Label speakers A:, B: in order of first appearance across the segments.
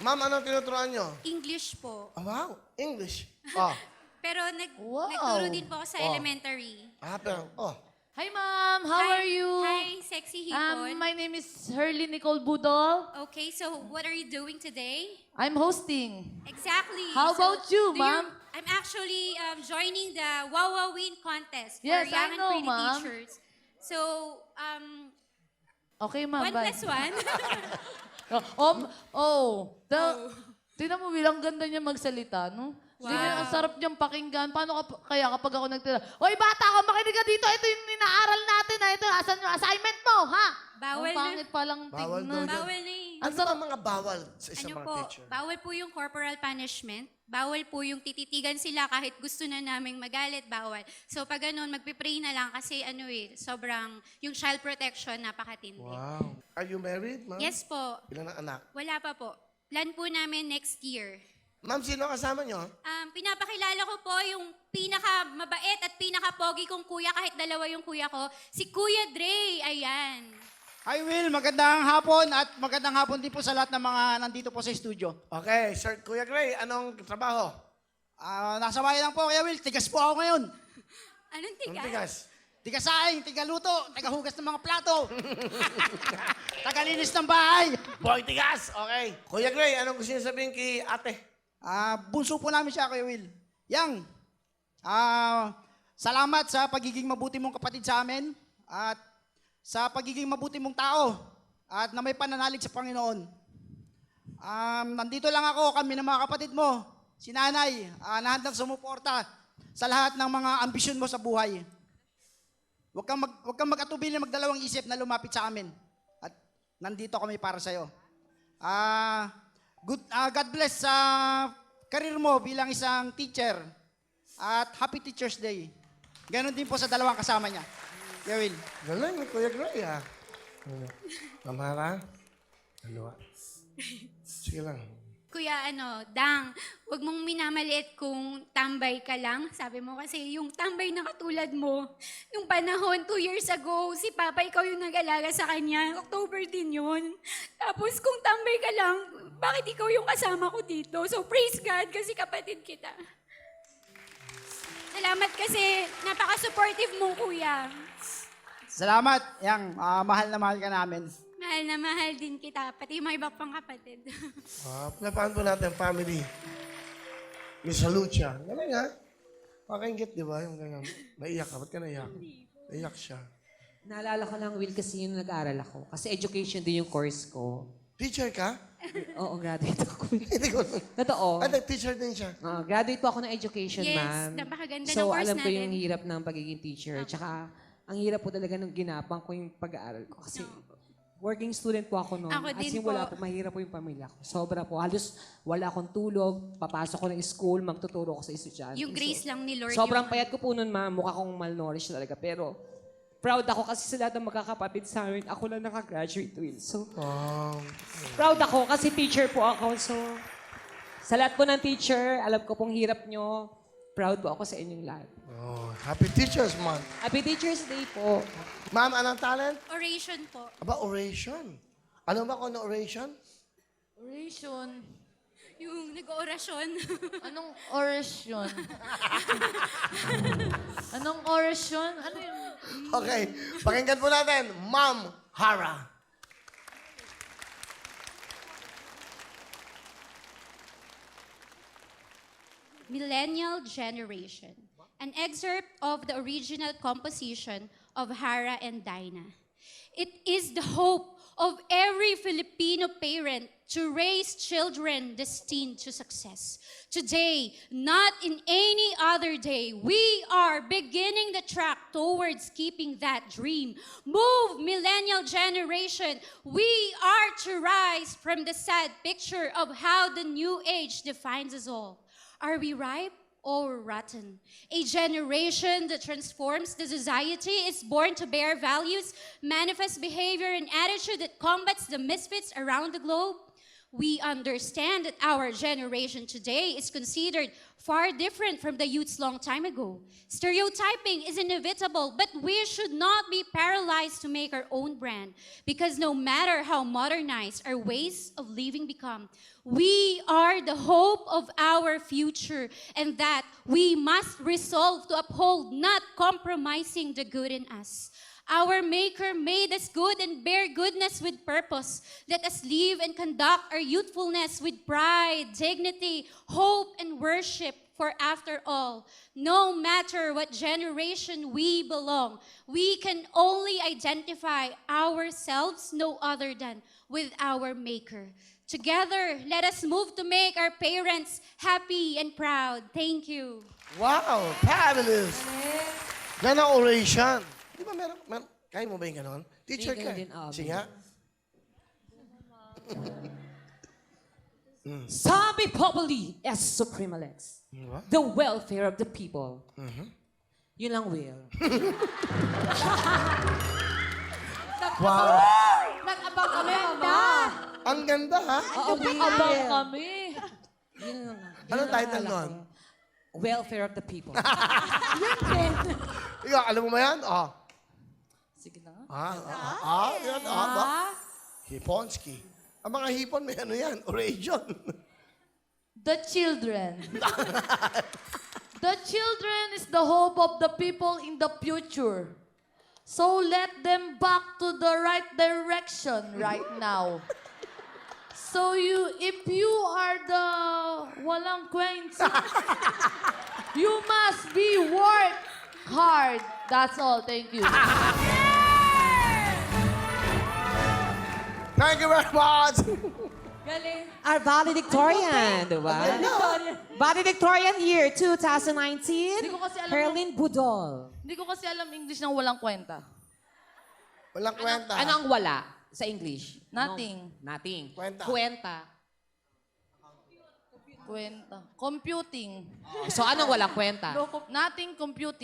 A: Ma'am, anong tinuturuan nyo?
B: English po.
A: Oh, wow, English. Oh.
B: Pero
C: Wow.
B: nagturo din po ako sa
A: Oh.
B: elementary.
A: Pero, oh.
C: Hi, ma'am. How
B: Hi-
C: are you?
B: Hi, sexy hipon.
C: My name is Hurley Nicole Budol.
B: Okay, so what are you doing today?
C: I'm hosting.
B: Exactly.
C: How about you, ma'am?
B: I'm actually joining the Wawa Win contest
C: Yes,
B: for young
C: I
B: and
C: know,
B: pretty
C: ma'am.
B: teachers. So,
C: Okay, ma'am.
B: 1 plus 1.
C: Tingnan mo bilang ganda niya magsalita, no?
B: Wow.
C: Ang sarap niyang pakinggan. Paano kaya kapag ako nagtira, Hoy, bata ka, makinig ka dito. Ito yung inaaral natin. Ito, asan yung assignment mo, ha?
B: Bawal
C: Ang pangit palang
A: Bawal
C: tignan.
A: daw
B: Bawal na eh.
A: Ano ang mga bawal sa isang
B: Ano
A: mga
B: po,
A: teacher?
B: bawal po yung corporal punishment. Bawal po yung tititigan sila kahit gusto na naming magalit, bawal. So pag ganun, magpipray na lang kasi sobrang yung child protection napakatindi.
A: Wow. Are you married, ma'am?
B: Yes po.
A: Ilan ang anak?
B: Wala pa po. Plan po namin next year.
A: Ma'am, sino ang kasama nyo?
B: Pinapakilala ko po yung pinaka-mabait at pinaka-pogi kong kuya, kahit dalawa yung kuya ko, si Kuya Dre. Ayan.
D: Hi Will, magandang hapon at magandang hapon din po sa lahat ng mga nandito po sa studio.
A: Okay, Sir Kuya Gray, anong trabaho?
D: Nasa bahay lang po, Kuya Will. Tigas po ako ngayon.
B: Anong
A: Anong
B: tigas?
A: tigas?
D: Tigasaing, tigaluto, tagahugas ng mga plato. Tagalinis ng bahay.
A: Boy, tigas! Okay. Kuya Gray, anong gusto niyo sabihin kay ate?
D: Bunso po namin siya, Kuya Will. Yang, salamat sa pagiging mabuti mong kapatid sa amin at sa pagiging mabuti mong tao at na may pananalig sa Panginoon. Nandito lang ako, kami ng mga kapatid mo, si nanay, na handang sumuporta sa lahat ng mga ambisyon mo sa buhay. Huwag kang mag-atubili na magdalawang isip na lumapit sa amin. At nandito kami para sa'yo. God bless sa karir mo bilang isang teacher. At Happy Teacher's Day. Ganon din po sa dalawang kasama niya. Gawin.
A: Galing, Kuya Gray, ah. Mamara? Dalawa. Sige lang.
B: Kuya, Dang, wag mong minamaliit kung tambay ka lang. Sabi mo kasi yung tambay na katulad mo, yung panahon, 2 years ago, si Papa, ikaw yung nag-alaga sa kanya. October din yun. Tapos kung tambay ka lang, bakit ikaw yung kasama ko dito? So praise God kasi kapatid kita. Salamat kasi napaka-supportive mong kuya.
D: Salamat, Yang. Mahal na mahal ka namin.
B: Mahal na mahal din kita, pati yung mga iba pang kapatid.
A: Pinapahan po natin family. Miss Lucha. Galing, ha? Pakingit, di ba? Yung ganyan. Naiyak ka. Ba't ka naiyak? Naiyak siya.
E: Naalala ko lang, Will, kasi yun nag-aaral ako. Kasi education din yung course ko.
A: Teacher ka?
E: Oo, graduate ako.
A: Hindi ko.
E: Totoo.
A: Teacher din siya.
E: Graduate po ako ng education,
B: Yes,
E: ma'am.
B: napakaganda ng
E: So,
B: course
E: alam ko
B: natin.
E: yung hirap ng pagiging teacher. Tsaka, ang hirap po talaga nung ginapang ko yung pag-aaral ko. Kasi, working student po ako noon.
B: Ako
E: As
B: din
E: in, wala
B: po.
E: po, mahirap po yung pamilya ko. Sobra po. Halos wala akong tulog. Papasok ko ng school, magtuturo ko sa estudyante.
B: Yung grace lang ni Lord.
E: Sobrang
B: yung-
E: payat ko po noon, ma'am. Mukha kong malnourished talaga. Pero, proud ako kasi sa lahat ng magkakapatid sa amin, ako lang nakagraduate, Will. So, proud ako kasi teacher po ako. So, sa lahat po ng teacher, alam ko pong hirap nyo. Proud po ako sa inyong lahat.
A: Happy Teacher's Month.
E: Happy Teacher's Day po.
A: Ma'am, anong talent?
B: Oration po.
A: Aba, oration. Ano ba kung ano oration?
C: Oration.
B: Yung nag-orasyon.
C: Anong orasyon? Anong orasyon? Ano yun?
A: Okay. Pakinggan po natin, Ma'am Hara.
B: Millennial Generation. An excerpt of the original composition of Hara and Dinah. It is the hope of every Filipino parent to raise children destined to success. Today, not in any other day, we are beginning the track towards keeping that dream. Move, millennial generation. We are to rise from the sad picture of how the new age defines us all. Are we ripe or rotten? A generation that transforms the society is born to bear values, manifest behavior, and attitude that combats the misfits around the globe. We understand that our generation today is considered far different from the youths long time ago. Stereotyping is inevitable, but we should not be paralyzed to make our own brand, because no matter how modernized our ways of living become, we are the hope of our future, and that we must resolve to uphold, not compromising the good in us. Our Maker made us good and bear goodness with purpose. Let us live and conduct our youthfulness with pride, dignity, hope, and worship. For after all, no matter what generation we belong, we can only identify ourselves no other than with our Maker. Together, let us move to make our parents happy and proud. Thank you.
A: Wow, fabulous. Yan ang oration. Di ba meron, kaya mo ba yung ganon? Teacher
E: Hindi
A: ka.
E: din, Abi.
A: Sige nga.
E: Sabi Populi as Suprema Lex.
A: Diba?
E: The welfare of the people. Yun lang, Will.
A: Wow.
C: Nag-abang kami, Mama.
A: Ang ganda, ha?
E: Oo,
C: Nag-abang
E: Will.
C: kami.
E: Yun lang.
A: Anong title nun?
E: Welfare of the people.
A: Ikaw, alam mo ba yan? Oh.
E: Sige na.
A: Yan, ba? Hiponski. Ang mga hipon, may ano yan, oration.
C: The children. The children is the hope of the people in the future. So let them back to the right direction right now. So if you are the walang kwenta, you must be work hard. That's all. Thank you.
A: Thank you very much.
C: Galing.
E: Our valedictorian, di ba? Valedictorian year 2019,
C: Hindi ko kasi alam
E: Herlin Budol.
C: Hindi ko kasi alam English ng walang kwenta.
A: Walang kwenta.
E: Ano ang wala sa English?
C: Nothing.
E: Nothing.
A: Kwenta.
E: Kwenta.
C: Kwenta. Computing.
E: So anong walang kwenta?
C: Nothing computing.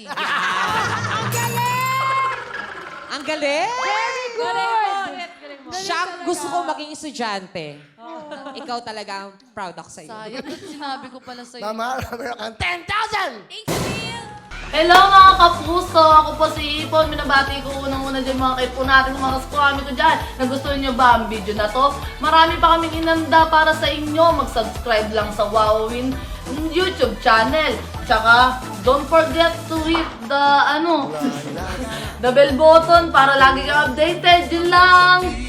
E: Ang galing!
C: Very good!
E: Siya ang gusto ko maging estudyante. Ikaw talaga, proud ako sa iyo.
C: Sayang, ba't sinabi ko pala sa'yo.
A: Mama, meron kang 10,000!
B: Thank you, Will.
C: Hello mga kapuso! Ako po si Ipon. Minabati ko unang-una dyan mga kaipo natin, mga kaskwami ko dyan. Nagustuhan nyo ba ang video na to? Marami pa kaming inanda para sa inyo. Mag-subscribe lang sa Wowin YouTube channel. Tsaka, don't forget to hit the, the bell button para lagi ka updated. Yun lang!